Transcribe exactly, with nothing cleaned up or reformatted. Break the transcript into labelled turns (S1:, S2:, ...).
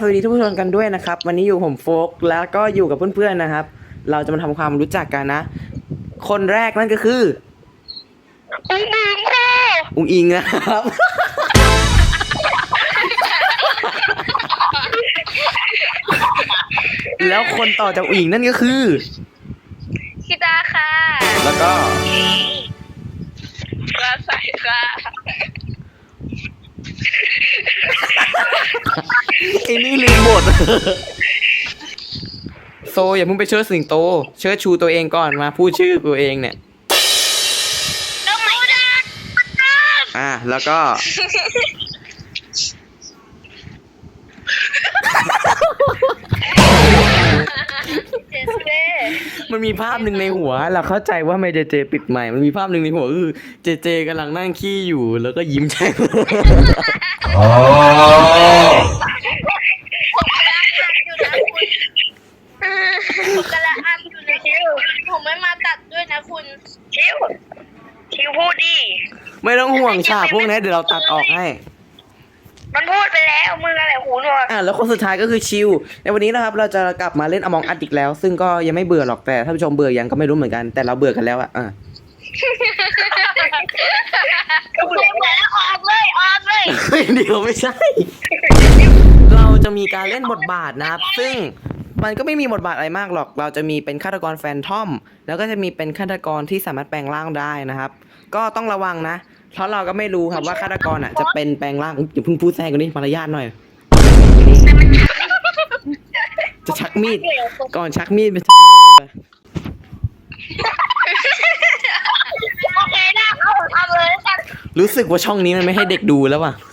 S1: สวัสดีทุกผู้ชมกันด้วยนะครับวันนี้อยู่ผมโฟกแล้วก็อยู่กับเพื่อนๆนะครับเราจะมาทำความรู้จักกันนะคนแรกนั่นก็คือ
S2: อุ้งอิงค่ะ
S1: อุ๋งอิงนะครับ แล้วคนต่อจากอุ๋งอิงนั่นก็คือ
S2: คิดาค่ะ
S1: แล้วก็
S2: กระใสค่ะ
S1: ไอ้นี่ลืมบท โซอย่าเพิ่งไปเชิดสิงโตเชิดชูตัวเองก่อนมาพูดชื่อตัวเองเนี่ย
S2: น้องไม่ได้
S1: อ่ะแล้วก็
S2: เจเจ
S1: มันมีภาพหนึ่งในหัวเราเข้าใจว่าไม่เจเจปิดใหม่มันมีภาพหนึ่งในหัวคือเจเจกำลังนั่งขี้อยู่แล้วก็ยิ้มแฉ่ง
S3: อ๋อ
S2: ผมกำลังอัดอยู่นะคุณผมไม่มาตัดด้วยนะคุณคิวคิวพูดดิ
S1: ไม่ต้องห่วงฉากพวกนี้เดี๋ยวเราตัดออกให้
S2: มันพูดไปแล้วมึงอะไรหูหนวก
S1: อ่ะแล้วคนสุดท้ายก็คือชิวในวันนี้นะครับเราจะกลับมาเล่น Among Us อีกแล้ว ซึ่งก็ยังไม่เบื่อหรอกแต่ท่านผู้ชมเบื่อยังก็ไม่รู้เหมือนกันแต่เราเบื่อกันแล้วอ่ะอ่ะ
S2: ก็เบื่อแล้วออกเลยออกเลย
S1: เฮ้ยเดี๋ยวไม่ใช่ เราจะมีการเล่นบทบาทนะครับซึ่งมันก็ไม่มีบทบาทอะไรมากหรอกเราจะมีเป็นฆาตกรแฟนทอมแล้วก็จะมีเป็นฆาตกรที่สามารถแปลงร่างได้นะครับก็ต้องระวังนะเพราะเราก็ไม่รู้ครับว่าฆาตกรอ่ะจะเป็นแปลงร่างอย่าเพิ่งพูดแทรกกันนี่มารยาทหน่อยจะชักมีดก่อนชักมีดไปชักมีดกันไป
S2: โอเคนะเอาทำเลยแล้วกัน
S1: รู้สึกว่าช่องนี้มันไม่ให้เด็กดูแล้วว่ะ